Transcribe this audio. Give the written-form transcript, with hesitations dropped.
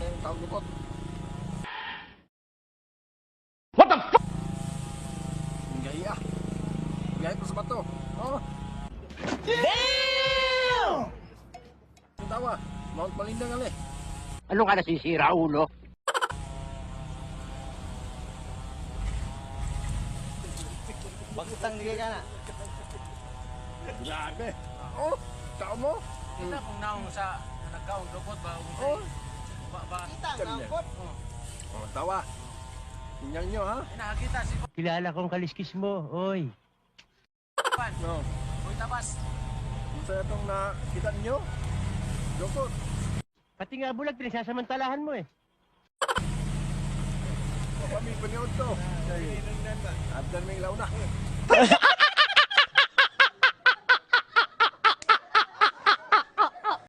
yung taong lukot. What the fuck? Gahi ah. Gahi pa sa bato. Oh. Damn! Yung tawa. Mount Malinda nga Ano ka nasisira, ulo? Bagutang digay ka na. Grabe. Oh. Tao mo. Kita kung naong sa nagkaong lukot ba? Oh. Ba? Kita Ganyan. ang angkot. Oh, tawa. Tingnan nyo ha. Nakakita si Kilala kong kaliskis mo, oy. Pan. No. Uy, tapas. Kung sa itong nakita nyo. Lukot. Pati nga bulag, pinagsasamantalahan mo eh. Kami paniod to. Abdan may launa.